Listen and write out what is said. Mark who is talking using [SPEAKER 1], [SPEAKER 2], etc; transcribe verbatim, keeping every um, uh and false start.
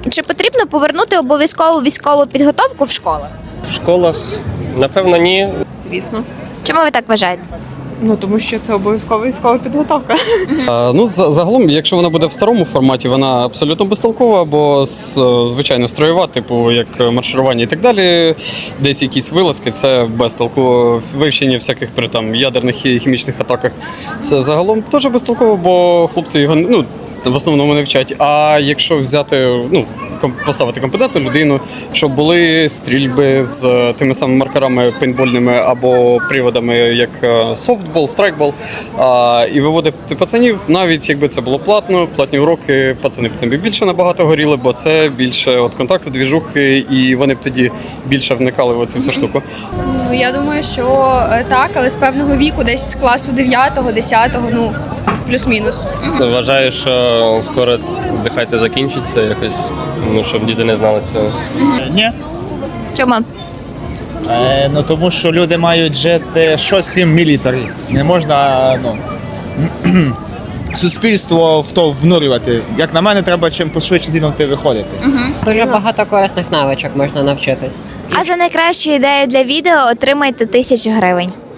[SPEAKER 1] Чи потрібно повернути обов'язкову військову підготовку в школах?
[SPEAKER 2] В школах, напевно, ні.
[SPEAKER 3] Звісно.
[SPEAKER 1] Чому ви так вважаєте?
[SPEAKER 3] Ну, тому що це обов'язкова військова підготовка.
[SPEAKER 4] А, ну, за- загалом, якщо вона буде в старому форматі, вона абсолютно безтолкова, бо з- звичайно строєва, типу як марширування і так далі, десь якісь вилазки, це без толку. Вивчення всяких при там ядерних і хімічних атаках. Це загалом теж безтолково, бо хлопці його ну. В основному не вчать. А якщо взяти, ну ком- поставити компетентну людину, щоб були стрільби з е, тими самими маркерами пейнтбольними або приводами, як е, софтбол, страйкбол, а, і виводити пацанів, навіть якби це було платно, платні уроки, пацани б цим би більше набагато горіли, бо це більше от контакту, двіжухи, і вони б тоді більше вникали в цю всю штуку.
[SPEAKER 5] Ну, я думаю, що е, так, але з певного віку, десь з класу дев'ятого, десятого, ну, плюс-мінус.
[SPEAKER 2] Вважаю, що скоро нехай це закінчиться якось, ну, щоб діти не знали цього.
[SPEAKER 6] Ні.
[SPEAKER 1] Чому?
[SPEAKER 6] Е, ну тому що люди мають жити щось крім мілітарі. Не можна ну, суспільство в то внурювати. Як на мене, треба чим пошвидше звідти виходити.
[SPEAKER 7] Дуже багато корисних навичок можна навчитись.
[SPEAKER 1] А за найкращу ідею для відео отримайте тисячу гривень.